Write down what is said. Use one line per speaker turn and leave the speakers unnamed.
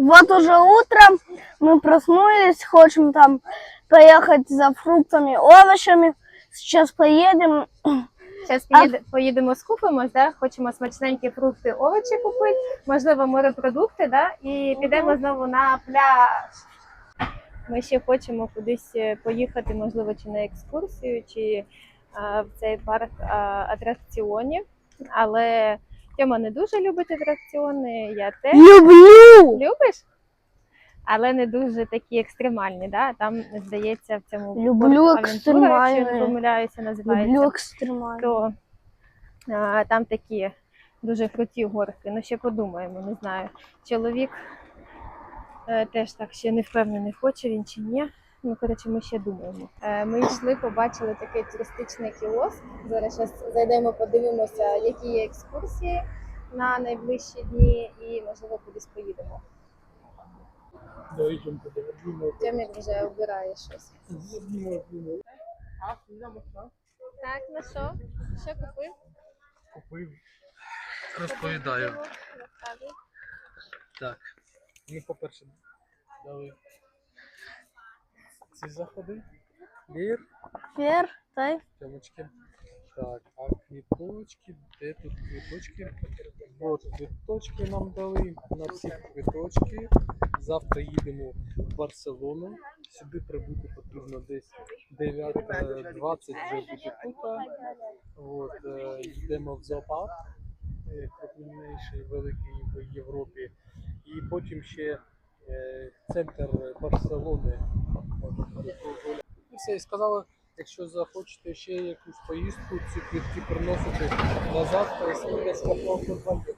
Вот уже утром мы проснулись, хотим там поехать за фруктами, овощами. Сейчас поедем.
Зараз поїдемо скупимось, да? Хочемо смачненькі фрукти, овочі купити, можливо, морепродукти, да? І підемо знову на пляж. Ми ще хочемо кудись поїхати, можливо, чи на екскурсію, чи в цей парк атракціонів. Але Тьома не дуже любить атракціони, я теж.
Люблю!
Любиш? Але не дуже такі екстремальні, да? Там, здається, в цьому
Люблю
Авентура, якщо я не
екстремальні.
помиляюся, називається.
Люблю екстремальні.
То там такі дуже круті горки. Ну, ще подумаємо, не знаю. Чоловік теж так ще не впевнений, хоче він чи ні. Ну, коротше, ми ще думаємо. Ми йшли, побачили такий туристичний кіоск. Зараз зайдемо, подивимося, які є екскурсії на найближчі дні і, можливо, кудись поїдемо. Тьомік вже обирає щось. Так, ну що? Що купив?
Купив. Розповідаю. Так. Ми, по-перше, дали ці заходи. Лір.
Фер, тай.
Тьомочки. Так, а квіточки, де тут квіточки? От квіточки нам дали, на всі квіточки. Завтра їдемо в Барселону. Сюди прибути потрібно десь 9:20 вже буде тут. От, йдемо в зоопарк, крупніший, великий в Європі. І потім ще центр Барселони. І все, і сказали, якщо захочете ще якусь поїздку, ці квитки приносити назад, то скільки